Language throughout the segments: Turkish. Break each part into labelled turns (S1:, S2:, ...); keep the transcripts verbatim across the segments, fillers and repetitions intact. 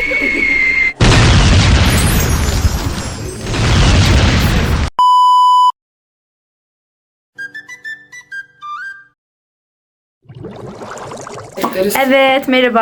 S1: Evet, merhaba.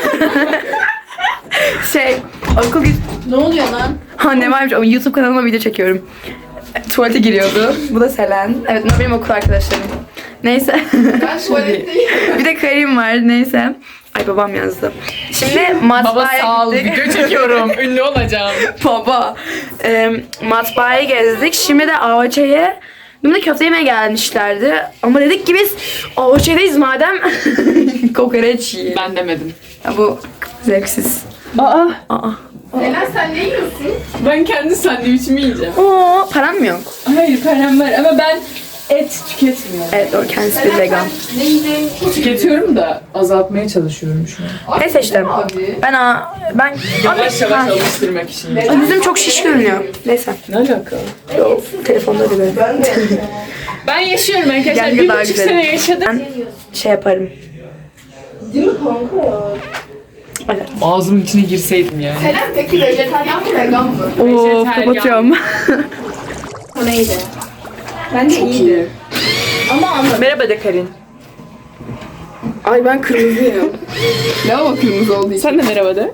S1: şey, okul...
S2: Ne oluyor lan?
S1: Ha ne varmış, ama YouTube kanalıma video çekiyorum. Tuvalete giriyordu. Bu da Selen. Evet, bunlar benim okul arkadaşlarım. Neyse.
S2: Ben tuvaletteyim.
S1: Bir de Karim var, neyse. Ay babam yazdı. Şimdi matbaaya
S3: Baba sağ ol,
S1: gittik.
S3: video çekiyorum. Ünlü olacağım.
S1: Baba. E, matbaaya gezdik. Şimdi de A O Ç'ye Bununla köfte yemeye gelmişlerdi. Ama dedik ki biz A O Ç'deyiz madem kokoreç yiyelim.
S3: Ben demedim.
S1: Ya bu zevksiz.
S3: Aa.
S1: Aa.
S2: Elen sen ne yiyorsun?
S3: Ben kendi sandviçimi yiyeceğim.
S1: Oo, param mı yok?
S3: Hayır param var ama ben et tüketmiyorum.
S1: Evet, o kendisi bir vegan.
S2: Ne yiyeceğim?
S3: Tüketiyorum da azaltmaya çalışıyorum şu an.
S1: Neyse işte. Ben a ben
S3: Yavaş yavaş
S1: Ha.
S3: alıştırmak için.
S1: Ay, yüzüm çok şiş görünüyor. Neyse.
S3: Ne alakalı?
S1: Yo, telefonda böyle.
S3: Ben yaşıyorum arkadaşlar.
S1: Gel
S3: Bir
S1: daha
S3: buçuk
S1: güzel.
S3: sene yaşadım.
S1: Ben şey yaparım.
S2: Değil mi kanka ya?
S1: Evet.
S3: Ağzımın içine girseydim yani.
S2: Elen peki vejetaryen mi vegan mı?
S1: Oo,
S3: Vejetaryen.
S1: kapatıyorum.
S2: O neydi?
S3: Ben de iyiydi.
S2: Ama anladım.
S3: Merhaba de Karin.
S1: Ay ben kırmızıyım.
S2: Lavabo kırmızı olduğu için.
S3: Sen de merhaba de.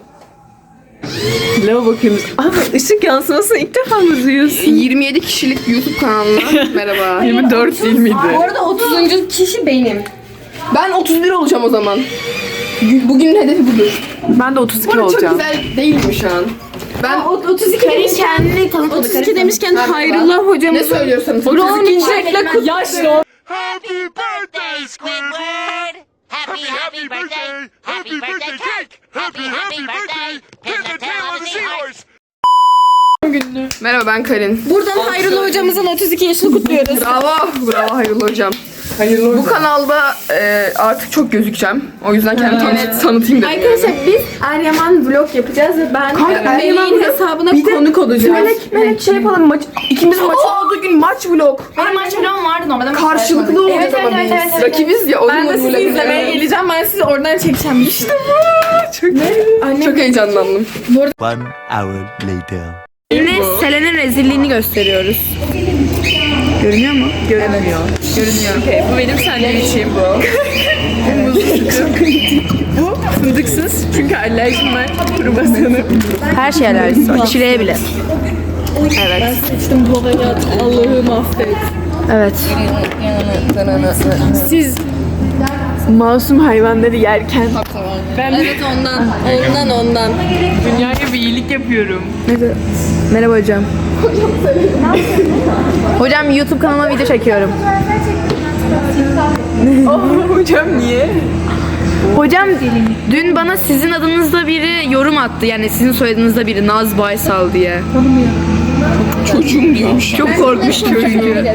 S3: Lavabo kırmızı. Ama ışık yansımasını ilk defa mı duyuyorsun?
S2: yirmi yedi kişilik YouTube kanalına merhaba.
S3: yirmi dört değil miydi?
S2: Bu arada otuzuncu kişi benim. Ben otuz bir olacağım o zaman. Bugünün hedefi budur.
S1: Ben de otuz iki
S2: Bu arada çok
S1: olacağım.
S2: güzel değil mi şu an? Ben otuz iki demişken
S1: kendini tanıtmadı.
S2: otuz iki demişken Hayrullah hocamız. Ne söylüyorsanız. otuz iki
S3: Çiçekle kut. Yaşlı.
S4: Happy birthday, Squidward! Happy, happy birthday! Happy birthday cake! Happy, happy birthday! Pin the tail of the seahorse!
S2: Merhaba ben Karin.
S5: Buradan Hayrullah hocamızın otuz iki yaşını kutluyoruz.
S2: Bravo, bravo Hayrullah hocam.
S3: Hayırlı
S2: Bu kanalda e, artık çok gözükeceğim. O yüzden kendimi tanıt, tanıtayım dedim.
S5: Arkadaşlar biz Eryaman vlog yapacağız ve ben
S2: Kanka, Eryaman
S5: Melih'in
S2: vlog-
S5: hesabına
S2: Bir de
S5: konuk olacağım.
S2: Melek, Melek şey yapalım maç. İkimiz maç olduğu gün maç vlog.
S1: Benim maç falan vardı normalde.
S2: Karşılıklı olacağız
S1: Evet,
S2: ama
S1: evet,
S2: biz.
S1: evet, evet,
S2: Rakibiz ya. O
S5: Ben de
S2: gün
S5: sizi
S2: vlog-
S5: izlemeye geleceğim. Ben sizi oradan çekeceğim. İşte
S2: Çok, çok heyecanlandım.
S4: One hour later.
S1: Şimdi Selen'in rezilliğini gösteriyoruz. Görünüyor mu? Görünmüyor. Görünüyor.
S3: Okay, bu benim sandviçim bu. Bu muzlu sıkı. Bu fındıksız çünkü alerjim var. Kruvasanı.
S1: Her şey alerjisi var. Çileğe bile. Evet.
S5: seçtim bu hayat. Allah'ım affet.
S1: Evet.
S3: Siz masum hayvanları yerken ben
S5: Evet ondan. Ondan ondan.
S3: dünyaya bir iyilik yapıyorum.
S1: Merhaba hocam. Hocam YouTube kanalıma video çekiyorum.
S3: Oh, hocam niye?
S1: Hocam dün bana sizin adınızda biri yorum attı. Yani sizin soyadınızda biri Naz Baysal diye.
S2: Çocuğum diyormuş.
S1: Çok korkmuştum çünkü.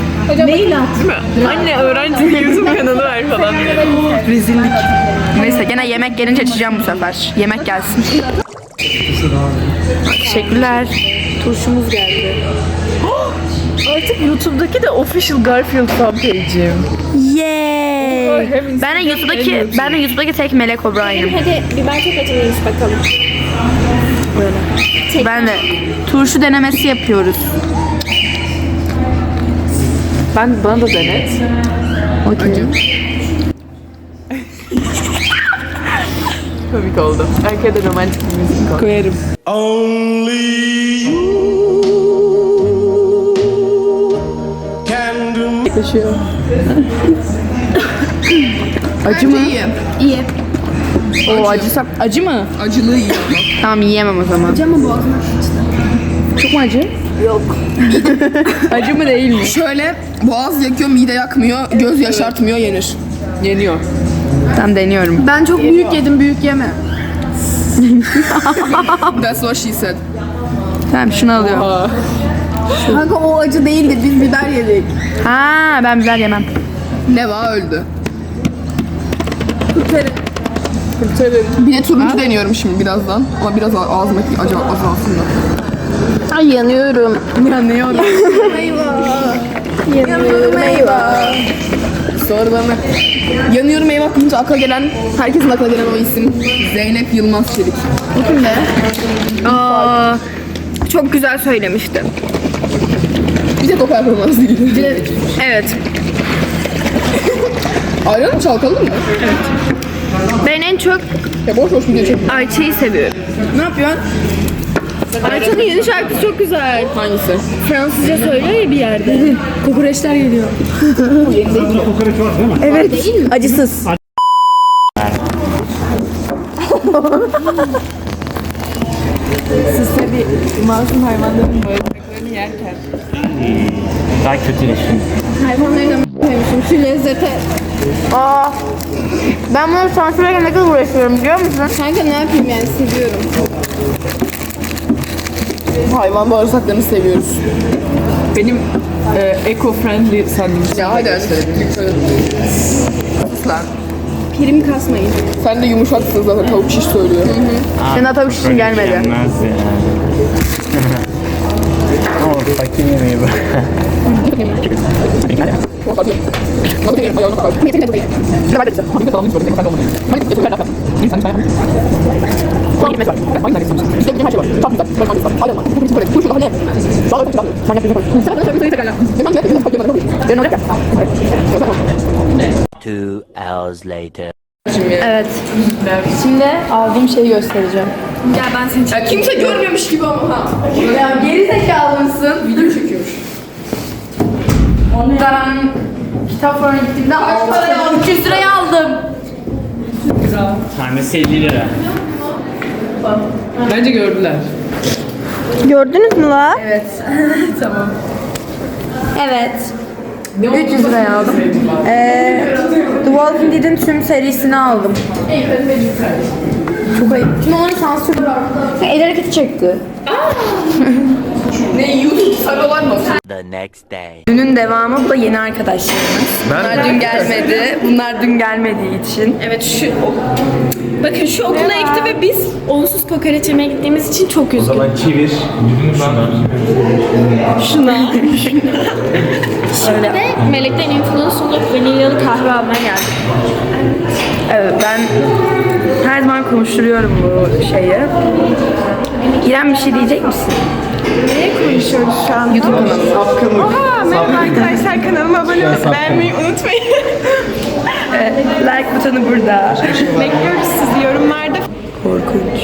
S3: Anne öğrenci YouTube kanalı var falan.
S1: Rezillik. Neyse gene yemek gelince açacağım bu sefer. Yemek gelsin. Teşekkürler. Turşumuz geldi.
S3: Artık YouTube'daki de official Garfield fanpage'im.
S1: Yay. Ben de YouTube'daki ben de YouTube'daki tek Melek O'Brien'im.
S5: Hadi biber çekeceğiz bakalım.
S1: Böyle. Ben de turşu denemesi yapıyoruz.
S3: Ben bana da denet.
S1: Okey.
S3: Komik oldu. Arkaya da romantik bir müzik koy. Koyarım.
S4: Only you can do.
S3: Yaklaşıyor.
S1: Acı mı?
S2: İyi.
S5: İyi.
S1: O acısa acı mı?
S2: Acılı iyi.
S1: Tamam yiyemem o zaman. Acı mı boğazıma Çok mu acı? Yok. acı mı değil mi?
S2: Şöyle boğaz yakıyor, mide yakmıyor, göz yaşartmıyor, yenir.
S3: Yeniyor.
S1: Tamam deniyorum.
S5: Ben çok büyük yedim. Büyük yeme.
S2: That's what she said.
S1: Tamam şunu alıyorum.
S3: Aa.
S5: Kanka o acı değildi. Biz biber yedik.
S1: Ha ben biber yemem.
S2: Neva öldü.
S5: Kurtarın.
S3: Kurtarın.
S2: Bir de turuncu deniyorum şimdi birazdan. Ama biraz ağ- ağzımdaki acı azalsın da.
S5: Ay yanıyorum.
S1: Yanıyorum.
S5: Yanıyorum eyvah.
S2: Sorularına. Yanıyorum eyvah deyince akla gelen, herkesin aklına gelen o isim. Zeynep Yılmaz Çelik. O kim be?
S5: Aa, çok güzel söylemişti.
S2: Bir tek o performans değil.
S5: Evet.
S2: Ayran mı çalkalım mı?
S5: Ben en çok
S2: Ya boş boş video çekiyorum.
S5: Ayça'yı seviyorum.
S2: Ne yapıyorsun?
S5: Ayça'nın yeni şarkısı çok güzel.
S2: Hangisi?
S5: Fransızca söylüyor ya bir yerde.
S2: Kokoreçler geliyor.
S5: Evet. Acısız.
S3: Siz tabii masum hayvanların bağırsaklarını yerken
S6: Daha kötüleşin.
S5: Hayvanları da m***memişim şu lezzete.
S1: Aa, ben bunu sansürlerken ne kadar uğraşıyorum biliyor musun?
S5: Kanka ne yapayım yani seviyorum.
S2: Hayvan bağırsaklarını seviyoruz.
S3: benim e, eco-friendly sandviç.
S2: Ya hadi hadi. Lütfen. Sus lan.
S5: Prim kasmayın.
S2: Sen de yumuşaksın zaten, tavuk şiş söylüyor.
S1: Senin hatta bir şey gelmedi.
S6: Gelmez ya. Ama fakir yemeği bu.
S4: Two hours later.
S1: Evet. Şimdi aldığım şeyi göstereceğim.
S5: Gel ben seni
S2: Ya kimse görmemiş gibi ama ha.
S1: Ya geri zekalı mısın?
S2: Video çekiyormuş.
S1: Ondan kitap falan gittiğimde kaç paraya aldım? üç yüz liraya aldım.
S6: Tanesi elli lira.
S3: Bence gördüler.
S5: Gördünüz mü la?
S1: Evet. Tamam.
S5: Evet.
S1: üç yüz liraya aldım. Ee, The Walking Dead'in tüm serisini aldım. Çok ayıp. Şimdi onu sansür... El hareketi çekti.
S2: Ne YouTube sarılar mı?
S4: The next day.
S1: Dünün devamı, bu da yeni arkadaşlarımız. Bunlar dün gelmedi. Bunlar dün gelmediği için.
S5: Evet şu bakın şu okula ekti ve biz onsuz kokoreç yemeye gittiğimiz için çok üzgünüm.
S6: Zaman çevir.
S5: Şuna. Şimdi de Melek'ten influence olup vanilyalı kahve almaya geldik.
S1: Evet, ben her zaman konuşturuyorum bu şeyi. İrem bir şey diyecek misin?
S5: Neye konuşuyoruz şu an?
S1: YouTube kanalı.
S5: Oha merhaba arkadaşlar kanalıma abone olmayı beğenmeyi unutmayın.
S1: Evet, like butonu burada.
S5: Bekliyoruz sizi yorumlarda.
S1: Korkunç.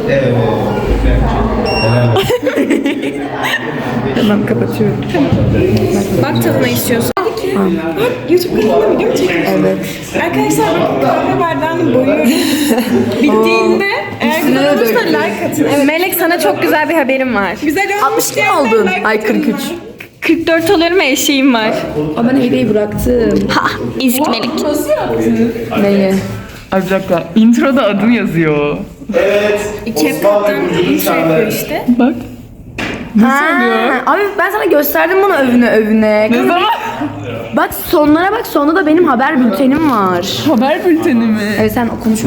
S1: Tamam, kapatıyorum.
S5: Bak tadına istiyorsan. YouTube kanalına video mu çekiyorsun?
S1: Evet.
S5: Arkadaşlar bakın kahve bardağını boyuyorum. Bittiğinde eğer güzel olursa like atın. Evet. Melek sana çok güzel bir haberim var. Güzel olmuş
S1: altmış iki oldun. Ay kırk üç.
S5: kırk dört oluyorum ve eşeğim var.
S1: Aa, ben hediyeyi bıraktım.
S5: Ha, ezik Melek.
S1: Neyi?
S3: Ay bir dakika. Introda adım yazıyor.
S5: CapCut'tan intro yapıyor işte.
S3: Bak.
S1: Ha, abi ben sana gösterdim bunu övüne övüne.
S3: Ne zaman?
S1: Bak sonlara bak, sonunda da benim haber bültenim var.
S3: Haber bülteni mi?
S1: Evet, sen konuşma.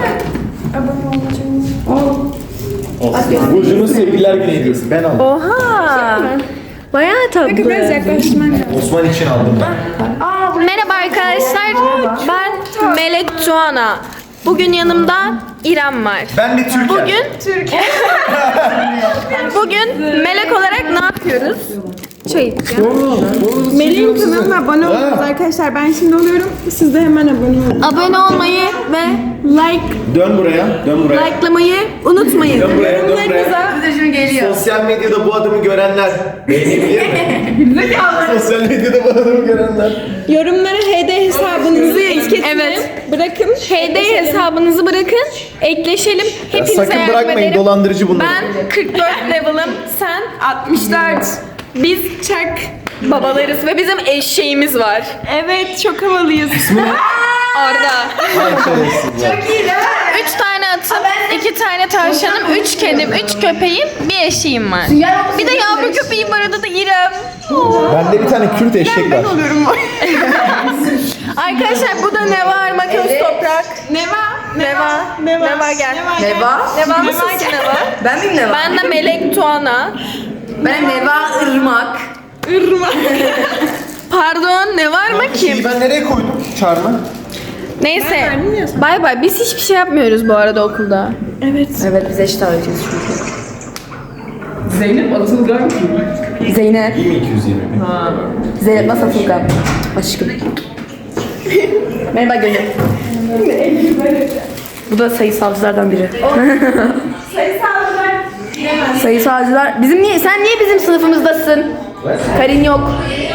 S7: Burcu'nun sevgililer günü hediyesi. Ben aldım.
S1: Oha. Bayağı tatlı.
S5: Biraz yaklaşman lazım.
S7: Osman için aldım ben.
S5: Merhaba arkadaşlar. Ben Melek Tuana. Bugün yanımda İrem var.
S7: Ben de Türkiye.
S5: Bugün Türkiye. Bugün Melek olarak ne yapıyoruz? Çay içeceğim.
S8: Melih'in kanalına abone olun arkadaşlar. Ben şimdi oluyorum. Siz de hemen abone olun.
S5: Abone olmayı ve like
S7: Dön buraya. Dön buraya.
S5: likelamayı unutmayın.
S7: Dön buraya. Dön buraya.
S1: geliyor.
S7: Sosyal medyada bu adamı görenler beğenebilir mi? Sosyal medyada bu adamı görenler.
S8: Yorumlara H D hesabınızı etiketin.
S5: Evet.
S8: Bırakın.
S5: H D hesabınızı bırakın. Ekleşelim. Hepinize
S7: Sakın
S5: yardım
S7: bırakmayın,
S5: ederim.
S7: dolandırıcı bunlar.
S5: Ben kırk dört level'ım. Sen altmış dört. Biz çak babalarız ve bizim eşeğimiz var.
S8: Evet çok havalıyız.
S5: Orada.
S7: Çok iyi.
S5: Üç tane atım, iki tane tavşanım, üç kedim, üç köpeğim, bir eşeğim var. Bir de yavru köpeğim var, adı da İrem.
S7: Bende bir tane Kürt eşek var.
S5: Arkadaşlar bu da Neva, Makas Toprak. Neva, Neva, Neva, Neva gel.
S1: Neva.
S5: Neva mısın Neva?
S1: Ben miyim Neva?
S5: Ben de Melek Tuana.
S1: Ben Neva Irmak.
S5: Pardon, ne var mı kim?
S7: Ben nereye koydum? çağırma.
S5: Neyse. Bay bay. Biz hiçbir şey yapmıyoruz bu arada okulda.
S1: Evet biz eşit ağırlayacağız çünkü.
S3: Zeynep Atılgan kim?
S1: Zeynep.
S7: İyi mi iki yüz yirmi mi?
S1: Zeynep nasıl Atılgan? Aşkım. Merhaba Gönül. Bu da sayısalcılardan biri.
S8: Sayısalcılar.
S1: Sayısalcılar. Bizim niye? Sen niye bizim sınıfımızdasın? Karin yok.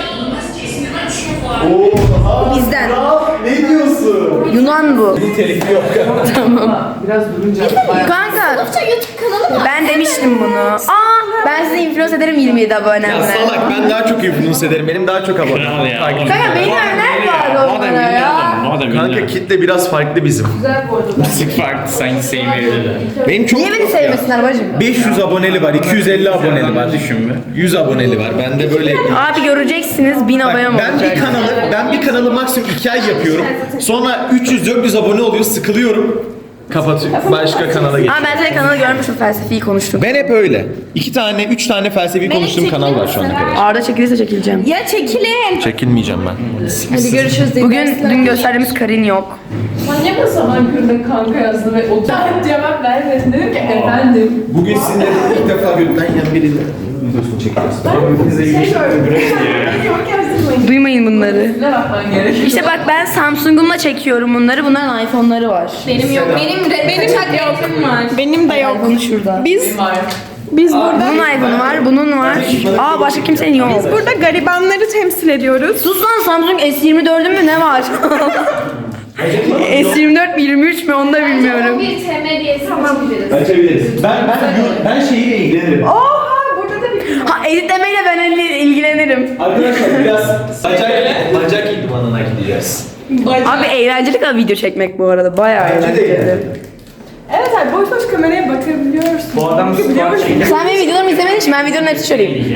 S7: Oha!
S1: Bizden.
S7: Ne diyorsun?
S1: Yunan bu.
S7: Telifi yok.
S3: Biraz durunca bayağı...
S1: Kanka.
S5: YouTube kanalı mı?
S1: Ben demiştim bunu. Aa, ben sizi influence ederim yirmi yedi
S7: Ya
S1: abonemle.
S7: salak ben daha çok influence ederim. Benim daha çok abone.
S6: Kral ya.
S7: Takip-
S1: Kanka benim örnek var onlara ya.
S7: Kanka kitle biraz farklı bizim.
S6: Sık farklı sanki sevmeyebilirler.
S7: Benim çok
S1: Niye beni sevmesinler bacım?
S7: beş yüz aboneli var, iki yüz elli aboneli var.
S6: Düşün mü?
S7: yüz aboneli var. Ben de böyle
S1: Abi göreceksiniz bin
S7: Bak,
S1: abonem
S7: ben
S1: olacak.
S7: bir kanalı ben bir kanalı maksimum iki ay yapıyorum. Sonra üç yüz dört yüz abone oluyor, sıkılıyorum. Kapatıyorum. Başka kanala
S1: Aa
S7: geçiyorum.
S1: ben senin kanalı görmüştüm, felsefeyi konuştum.
S7: Ben hep öyle. İki tane, üç tane felsefi konuştuğum kanal var şu ana kadar.
S1: Arda çekilirse çekileceğim.
S5: Ya çekilin.
S7: Çekinmeyeceğim ben.
S5: Hadi görüşürüz.
S1: Bugün dün gösterdiğimiz Karin yok.
S3: Manyak o zaman kırdın kanka yazdı ve o cevap vermedin. Dedim ki efendim.
S7: Bugün sizinle ilk defa gökten yan biriyle videosunu çekiyoruz.
S1: Duymayın bunları.
S3: Ne bakman gerekiyor?
S1: İşte bak ben Samsung'umla çekiyorum bunları. Bunların iPhone'ları var.
S5: Benim yok. Benim de benim yok. var. Benim de yok.
S1: iPhone'u şurada.
S5: Biz
S3: Var.
S5: biz burada
S1: Bunun iPhone'u var, bunun var. Aa başka kimsenin yok.
S5: biz burada garibanları temsil ediyoruz.
S1: Sus lan, Samsung S yirmi dördün mü ne var? S yirmi dört mi yirmi üç mü onu da bilmiyorum.
S5: Bir T M diye açabiliriz.
S7: Açabiliriz. Ben ben ben şeyiyle ilgilenirim.
S1: Ha editlemeyle ben il- ilgilenirim.
S7: Arkadaşlar biraz bacak bacak idmanına gideceğiz.
S1: Abi eğlenceli bir video çekmek bu arada. Bayağı
S7: Bence de
S1: eğlenceli.
S7: eğlenceli.
S3: Evet abi boş boş kameraya bakabiliyorsun.
S6: Bu adam squat çekti.
S1: Sen benim videolarımı izlemediğin için ben videonun hepsini söyleyeyim.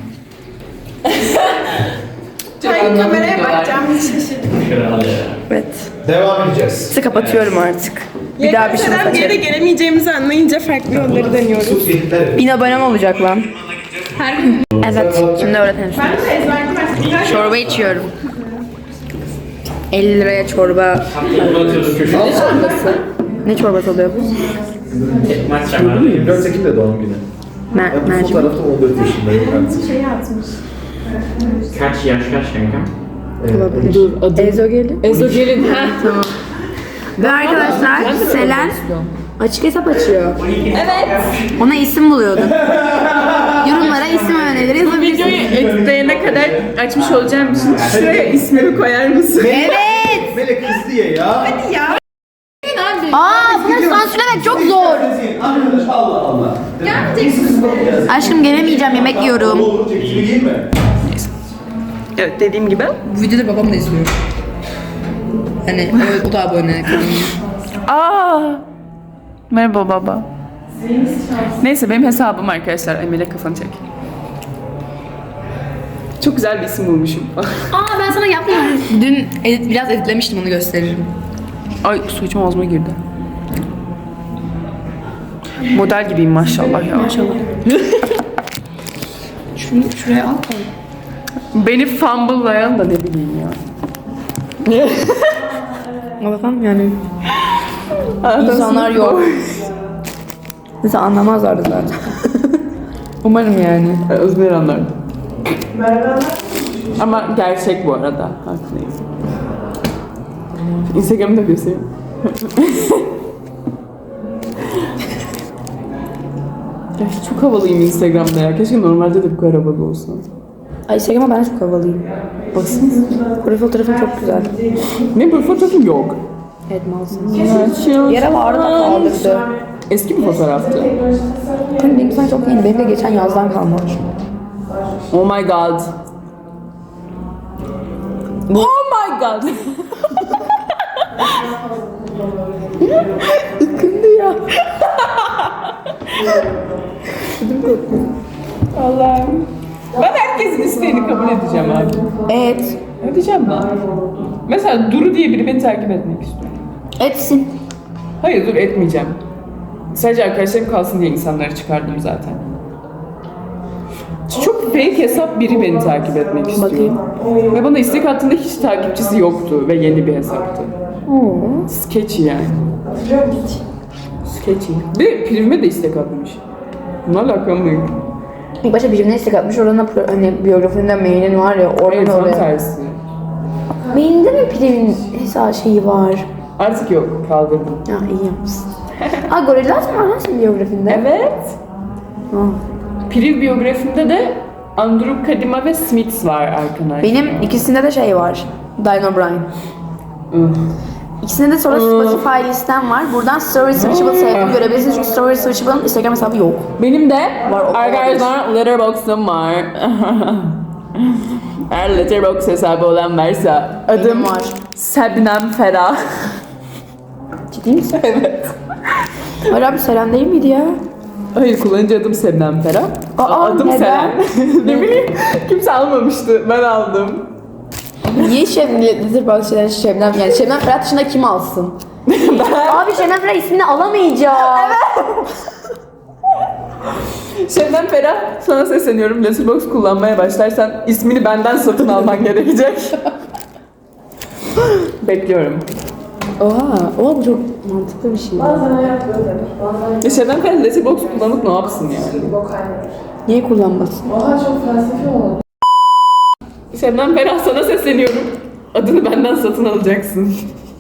S3: Hayır
S8: Kameraya bakacağım hiç şaşırdım.
S6: Kral ya.
S1: Evet.
S7: Devam edeceğiz.
S1: Size kapatıyorum artık. Bir daha bir şey
S8: Yaklaşarak bir yere
S1: açarım.
S8: gelemeyeceğimizi anlayınca farklı yolları deniyoruz.
S7: Sus yeter.
S1: Bin abonem olacak lan. Evet. Şimdi öğretelim. Çorba içiyorum. elli liraya çorba. Ne çorbası oluyor bu?
S6: Maç şamarı.
S7: yirmi dört Ekim'de doğum günü.
S1: Mer
S7: Ben bu
S1: mercimek.
S7: fotoğrafta on dört yaşındayım artık.
S6: Kaç yaş kaç kanka?
S1: Olabilir. Ezogelin.
S3: Ezogelin. Ha tamam.
S1: Ve arkadaşlar Selen açık hesap açıyor. Evet. Ona isim buluyordun. Yorumlara isim önerileri
S3: Videoyu
S1: yazabilirsiniz.
S3: editleyene kadar açmış olacağım için şuraya ismimi koyar mısın?
S1: Evet.
S7: Melek kız diye ya. Hadi ya.
S1: Aa bunları sansürlemek çok zor.
S7: Arkadaş Allah Allah.
S1: Aşkım gelemeyeceğim, yemek yiyorum.
S7: Olur çekimi değil mi?
S3: Evet dediğim gibi.
S1: Bu videoda babam da izliyor. Hani o, o da abone.
S3: Aa. Merhaba baba. Neyse benim hesabım arkadaşlar. Emel'e kafanı çek. Çok güzel bir isim bulmuşum.
S1: Aa ben sana yapmadım. Dün edit, biraz editlemiştim, onu gösteririm.
S3: Ay su içim ağzıma girdi. Model gibiyim maşallah ya. Maşallah.
S1: Şunu şuraya al.
S3: Beni fumble'layan da ne bileyim ya.
S1: Bakalım yani. İnsanlar yok. Neyse anlamazlardı zaten. Umarım yani.
S3: Özmer anlar. Ama gerçek bu arada. Haklıyız. Instagram'ı da göstereyim. Ya çok havalıyım Instagram'da ya. Keşke normalde de bu kadar havalı olsun.
S1: Ay Instagram'a ben çok havalıyım.
S3: Baksanıza.
S1: Profil fotoğrafım çok güzel.
S3: Ne bu fotoğrafım yok.
S1: Evet malsın. Yere vardı da kaldırdı.
S3: Eski bir fotoğraftı.
S1: Hani benim sana çok yeni. Benim de geçen yazdan kalmamış.
S3: Oh my god. Oh my god.
S1: Kındı ya.
S3: Allah'ım. Ben herkesin isteğini kabul edeceğim abi.
S1: Evet.
S3: Edeceğim ben. Mesela Duru diye biri beni takip etmek istiyor.
S1: Etsin.
S3: Hayır dur etmeyeceğim. Sadece arkadaşlarım kalsın diye insanları çıkardım zaten. Çok fake hesap biri beni takip etmek istiyor.
S2: Bakayım.
S3: Ve bana istek attığında hiç takipçisi yoktu ve yeni bir hesaptı. Sketchy yani. Sketchy. Bir de Priv'ime de istek atmış. Bunlarla alakam yok.
S1: İlk başta birine istek atmış. Oradan da pro- hani biyografinde mailin var ya.
S3: Hayır,
S1: Oradan
S3: tam
S1: oraya.
S3: tersi.
S1: Mailinde mi Priv'in hesabı şeyi var?
S3: Artık yok, kaldırdım.
S1: Ya iyi yapmışsın. Ha Gorillaz mı var lan senin biyografinde?
S3: Evet.
S1: Ha.
S3: Priv biyografimde de Andrew Kadima ve Smiths var arkadaşlar.
S1: Benim ikisinde de şey var. Diane O'Brien. İkisinde de sonra Spotify listem var. Buradan Story Switchable sevdiğimi görebilirsiniz. Çünkü Story Switchable'ın Instagram hesabı yok.
S3: Benim de
S1: Var, o-
S3: arkadaşlar Letterboxd'um var. Eğer Letterboxd hesabı olan varsa adım
S1: Benim var.
S3: Sebnem Ferah.
S1: Ciddi misin? Evet. Hayır abi Selen değil miydi ya?
S3: Hayır, kullanıcı adım Sebnem Ferah.
S1: Aa,
S3: adım
S1: neden?
S3: Selen. Ne bileyim, kimse almamıştı. Ben aldım.
S1: Niye Şebnem, Letterboxd şeyler Şebnem, yani Şebnem Ferah dışında kim alsın? Abi Şebnem Ferah ismini alamayacağım.
S3: Şebnem Ferah, sana sesleniyorum. Letterboxd kullanmaya başlarsan ismini benden satın alman gerekecek. Bekliyorum.
S1: Oha, oha bu çok mantıklı bir şey.
S3: Ya Şebnem Ferah Letterboxd kullanıp ne yapsın yani?
S1: Niye kullanmasın?
S3: Şebnem Ferah, sana sesleniyorum. Adını benden satın alacaksın.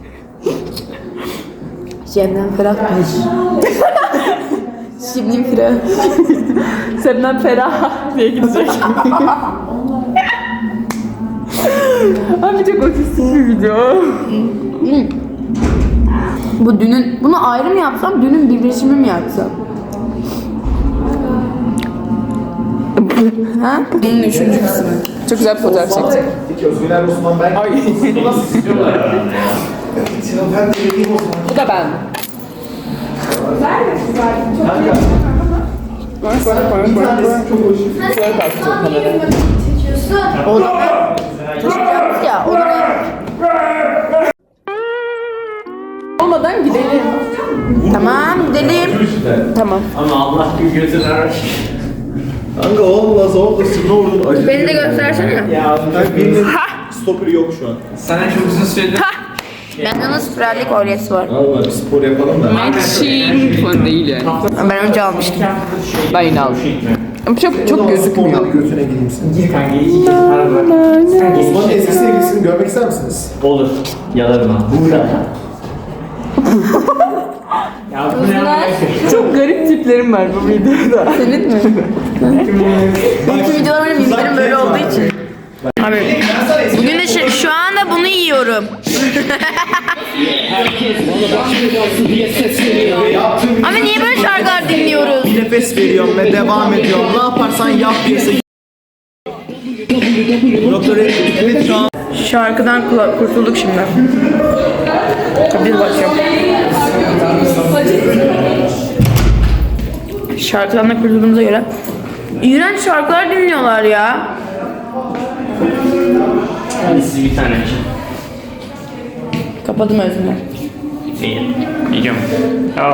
S1: Şebnem Ferah bir. Şebnem Ferah.
S3: Şebnem Ferah diye gidecek. Abi çok otistik bir video.
S1: Bu dünün, bunu ayrı mı yapsam, dünün birleşimi mi yapsam? Ha? Bunun üçüncü kısmı.
S3: Çok güzel bir fotoğraf çektik.
S7: Peki Özgüler Osman ben...
S3: Ay.
S7: Ben de vereyim o zaman.
S3: Bu da ben. Şöyle kalktı kameraya.
S1: Taşıyacağız ya, o da
S3: Olmadan gidelim.
S1: Tamam, gidelim.
S3: Tamam.
S6: Ama Allah bir gözünü aç.
S7: Kanka olmaz olmasın ne olur acı.
S1: Beni de göstersene.
S6: Ya
S7: Kanka birinin stoperi yok şu an.
S6: sana çok uzun süredir...
S1: Bende nasıl spiralli kolyesi var.
S7: Allah bir spor yapalım da.
S3: Matching falan değil yani.
S1: Ben önce almıştım.
S3: Ben yine aldım. Ama çok çok gözükmüyor.
S7: Sporda bir götüne gideyim senin.
S6: Gir kanka, iki kez para bırak. Sen geç.
S7: Osman'ın eski sevgilisini görmek ister misiniz?
S6: Olur. Yalarım ha. Burada. Ya bu ne yapayım?
S3: Çok garip tiplerim var bu videoda.
S1: Senin mi? Bütün videolar benim mimlerim böyle olduğu için. Abi bugün de şu, şu anda bunu yiyorum. Ama niye böyle şarkılar dinliyoruz?
S7: Bir nefes veriyorum ve devam ediyorum. Ne yaparsan yap diyese. Doktor evet şu an.
S1: Şarkıdan kula- kurtulduk şimdi. Bir bakıyorum. Şarkıdan da kurtulduğumuza göre iğrenç şarkılar dinliyorlar ya.
S6: Hadi siz bir tane için.
S1: Kapadım özümü.
S6: İyi. Yiyeceğim. Aa.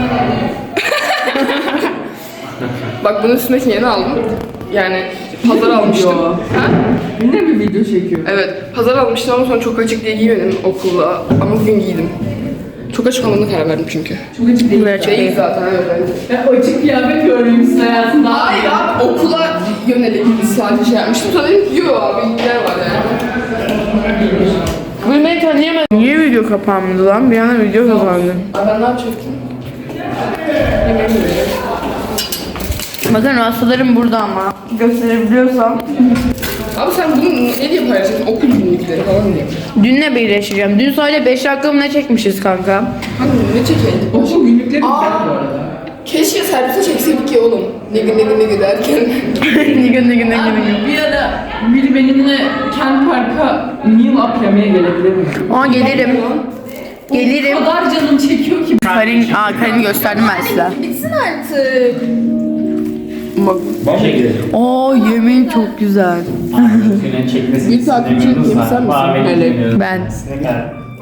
S2: Bak bunun üstündeki yeni aldım. Yani pazar almıştım. Ha?
S3: Yine bir video çekiyor.
S2: Evet, pazar almıştım ama sonra çok açık diye giymedim okulda. Ama bugün giydim. Çok açık olmadığına karar verdim çünkü.
S3: Çok açık değil.
S2: Değil zaten evet.
S3: Ya açık kıyafet görmüşsün hayatında.
S2: Hayır abi okula yönelik sadece şey yapmıştım. Sonra dedim ki yo abi yer var yani.
S1: Bugün beni tanıyamadım. Niye video kapandı lan? Bir anda video kapandı.
S2: Abi ben ne yapacaktım? Yemeğimi yiyeceğim.
S1: Bakın hastalarım burada ama. Gösterebiliyorsam.
S2: Abi sen bunu ne diye paylaşıyorsun? Okul günlükleri falan diye.
S1: Dünle birleşeceğim. Dün sadece beş dakika mı ne çekmişiz kanka?
S2: Hangi ne çekeydik?
S3: Okul günlükleri güzel bu arada.
S2: Keşke servise çekseydik ya oğlum. Ne gün ne gün ne gün derken.
S1: ne gün ne gün ne gün ne gün.
S3: Bir ara biri benimle Kent Park'a meal up yemeye gelebilir mi?
S1: Aa gelirim. Gelirim.
S3: O kadar canım çekiyor ki.
S1: Karin, aa Karin'i gösterdim ben size.
S2: Bitsin artık.
S1: Bak. Oo yemeğin çok güzel.
S6: Güne çekmesini
S2: Bir takipçi
S6: istemiyoruz
S2: yapsam
S6: da.
S2: mısın?
S6: Bahane
S2: Melek.
S6: istemiyoruz.
S1: Ben.
S6: Ne kadar?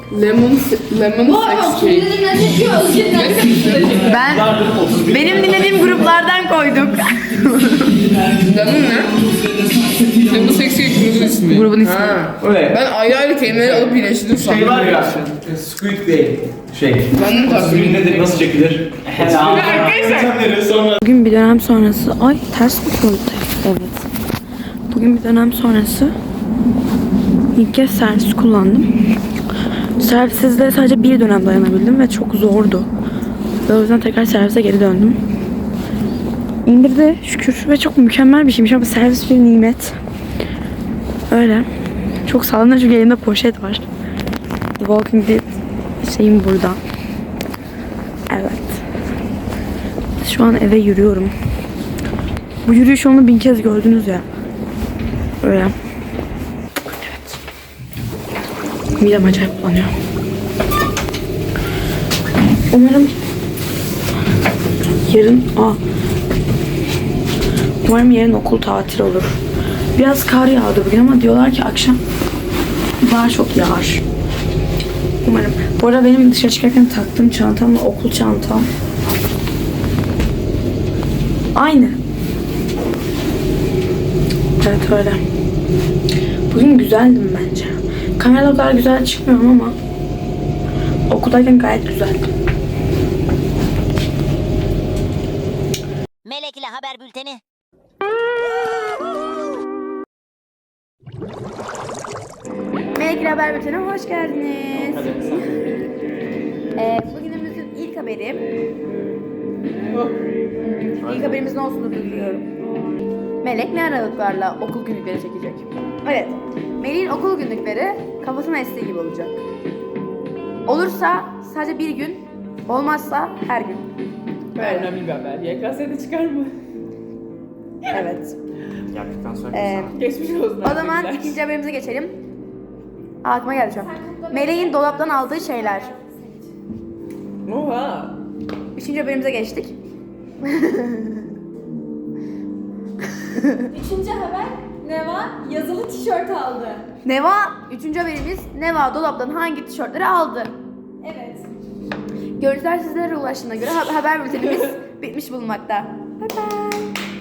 S2: Lemon, lemon sex cake.
S1: Ben benim dinlediğim gruplardan koyduk.
S2: Lemon ne? Lemon sex cake grubun ismi.
S1: Grubun ismi.
S2: Ha.
S7: O ne?
S2: Ben ayrı ayrı kelimeleri alıp birleştirdim sandım.
S7: Şey var ya. Squid Game. Şey.
S2: Ben de takip
S7: Squid nedir? Nasıl çekilir? Arkadaşlar. Sonra.
S1: Bugün bir dönem sonrası... Ay ters mi koyduk? Evet. Bugün bir dönem sonrası ilk kez servis kullandım. Servissizde sadece bir dönem dayanabildim ve çok zordu. Ve o yüzden tekrar servise geri döndüm. İndirdi şükür ve çok mükemmel bir şeymiş ama servis bir nimet. Öyle. Çok sağlamlar çünkü elimde poşet var. The Walking Dead şeyim burada. Evet. Şu an eve yürüyorum. Bu yürüyüş yolunu bin kez gördünüz ya. Öyle. Evet. Midem acayip bulanıyor. Umarım yarın... Aa. Umarım yarın okul tatil olur. Biraz kar yağdı bugün ama diyorlar ki akşam daha çok yağar. Umarım. Bu arada benim dışarı çıkarken taktığım çantamla okul çantam aynı. Evet öyle. Bugün güzeldim bence. Kamerada o kadar güzel çıkmıyorum ama okuldayken gayet güzeldim.
S4: Melek ile haber bülteni.
S1: Melek ile Haber Bülteni'ne hoş geldiniz. Ee, bugünümüzün ilk haberi. İlk haberimiz ne olsun biliyorum. Melek ne aralıklarla okul günlükleri çekecek? Evet. Melek'in okul günlükleri kafasına estiği gibi olacak. Olursa sadece bir gün, olmazsa her gün.
S3: Önemli bir haber. Y K S'de çıkar mı?
S1: Evet.
S6: Yaptıktan sonra
S1: Ee,
S3: Geçmiş olsun.
S1: o zaman ikinci haberimize geçelim. Aa, aklıma geldi şu an. Melek'in dolaptan aldığı şeyler.
S3: Oha.
S1: Üçüncü haberimize geçtik.
S5: Üçüncü haber, Neva yazılı tişört aldı.
S1: Neva, üçüncü haberimiz Neva dolaptan hangi tişörtleri aldı?
S5: Evet.
S1: Görüntüler sizlere ulaştığına göre ha- haber bültenimiz bitmiş bulunmakta. Bye bye.